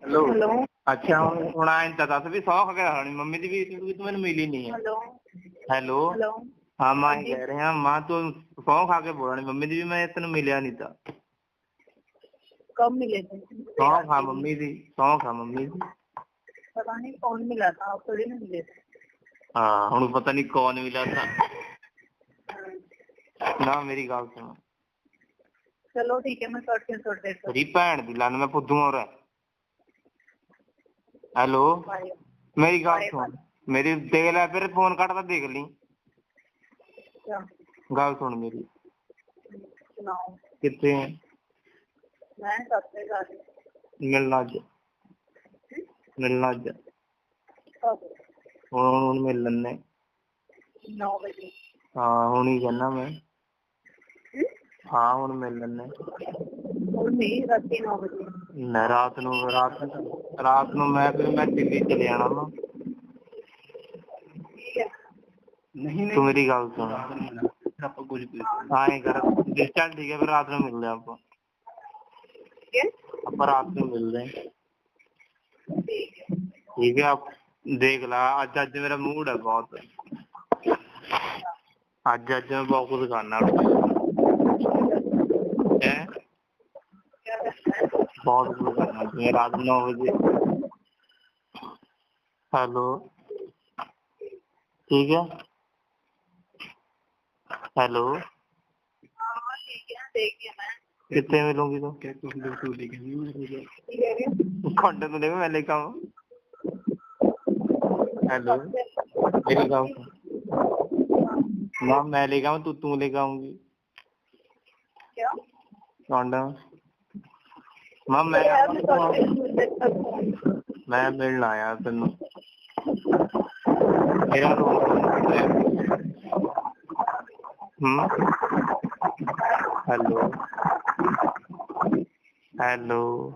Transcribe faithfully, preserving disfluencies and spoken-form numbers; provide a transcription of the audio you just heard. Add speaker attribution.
Speaker 1: Hello
Speaker 2: hello
Speaker 1: अच्छा ਹੁਣ ਹੁਣ ਆਏ ਤਾਂ ਦੱਸ ਵੀ ਸੌ ਖਾ ਕੇ ਮੰਮੀ ਦੀ ਵੀ ਤੂੰ ਤੂੰ ਮੈਨੂੰ ਮਿਲੀ ਨਹੀਂ ਹੈ।
Speaker 2: हेलो
Speaker 1: ਹੈਲੋ
Speaker 2: हेलो
Speaker 1: ਹਾਂ
Speaker 2: हाँ
Speaker 1: ਮੈਂ
Speaker 2: जी
Speaker 1: ਕਹਿ ਰਿਹਾ ਮਾਂ ਤੂੰ ਸੌ ਖਾ ਕੇ ਬੋਲਣੀ ਮੰਮੀ ਦੀ ਵੀ ਮੈਂ ਤੈਨੂੰ ਮਿਲਿਆ ਨਹੀਂ ਤਾਂ
Speaker 2: कब मिले थे?
Speaker 1: ਸੌ ਖਾ ਮੰਮੀ ਦੀ ਸੌ ਖਾ ਮੰਮੀ ਦੀ
Speaker 2: पता नहीं कौन मिला था, आप थोड़ी ना मिले थे।
Speaker 1: ਹਾਂ ਹੁਣ ਪਤਾ ਨਹੀਂ ਕੌਣ ਮਿਲਾ था
Speaker 2: हाँ,
Speaker 1: ਨਾ ਮੇਰੀ ਗੱਲ ਸੁਣ
Speaker 2: चलो ठीक है, मैं करती हूँ थोड़ी देर
Speaker 1: ਤੇਰੀ ਭੈਣ ਦੀ ਲੰਨ ਮੈਂ ਫੁੱਦੂ ਹੋਰ ਹੈਲੋ
Speaker 2: बाय
Speaker 1: ਮੇਰੀ ਗੱਲ
Speaker 2: बाय
Speaker 1: ਸੁਣ ਮੇਰੀ ਦੇਖ ਲੈ ਫਿਰ ਫੋਨ ਕੱਟਦਾ ਦੇਖ ਲਈ
Speaker 2: क्या
Speaker 1: ਗੱਲ ਸੁਣ ਮੇਰੀ
Speaker 2: सुनाओ।
Speaker 1: ਕਿੱਥੇ ਹੈ
Speaker 2: मैं सबसे ज्यादा
Speaker 1: ਮਿਲਣਾ ਅੱਜ ਮਿਲਣਾ ਅੱਜ
Speaker 2: कब?
Speaker 1: ਹੁਣ ਹੁਣ ਮਿਲ ਲੈਂਦੇ
Speaker 2: नौ बजे।
Speaker 1: ਹਾਂ ਹੁਣ ਹੀ ਕਹਿੰਦਾ ਮੈਂ
Speaker 2: हम्म?
Speaker 1: ਹਾਂ ਹੁਣ ਮਿਲ ਲੈਂਦੇ
Speaker 2: और नहीं, रात नौ बजे।
Speaker 1: ਮੈਂ ਰਾਤ ਨੂੰ ਰਾਤ ਰਾਤ ਨੂੰ ਮੈਂ ਫਿਰ ਮੈਂ ਦਿੱਲੀ ਚਲੇ ਜਾਣਾ ਨਾ
Speaker 2: ठीक है।
Speaker 1: ਨਹੀਂ ਤੂੰ ਮੇਰੀ ਗੱਲ ਸੁਣ ਆਪਾਂ ਕੁਝ ਆਏ ਕਰ ਚੱਲ ਠੀਕ ਹੈ ਫਿਰ ਰਾਤ ਨੂੰ ਮਿਲਦੇ ਆਪਾਂ
Speaker 2: क्या?
Speaker 1: ਆਪਾਂ ਰਾਤ ਨੂੰ ਮਿਲਦੇ ਹਾਂ
Speaker 2: ठीक है।
Speaker 1: ਠੀਕ ਹੈ ਆਪ ਦੇਖ ਲਾ ਅੱਜ ਅੱਜ ਮੇਰਾ ਮੂਡ ਹੈ ਬਹੁਤ ਅੱਜ ਅੱਜ ਮੈਂ ਬਹੁਤ ਕੁਝ ਖਾਣਾ ਹੈ
Speaker 2: क्या करना है?
Speaker 1: बहुत कुछ करना मैं रात नौ बजे हेलो ठीक है हेलो
Speaker 2: हाँ ठीक है, देखिए मैं
Speaker 1: कितने मिलूंगी तो खंड तो देखो मैं लेकर आऊँ हेलो मेरी गाँव ना मैं लेकर आऊँ तू तू लेकर आऊंगी
Speaker 2: क्या?
Speaker 1: खंड मां मैं
Speaker 2: यार मैं करती हूँ।
Speaker 1: मैं मिलना आया तेन मेरा हम्म हेलो हेलो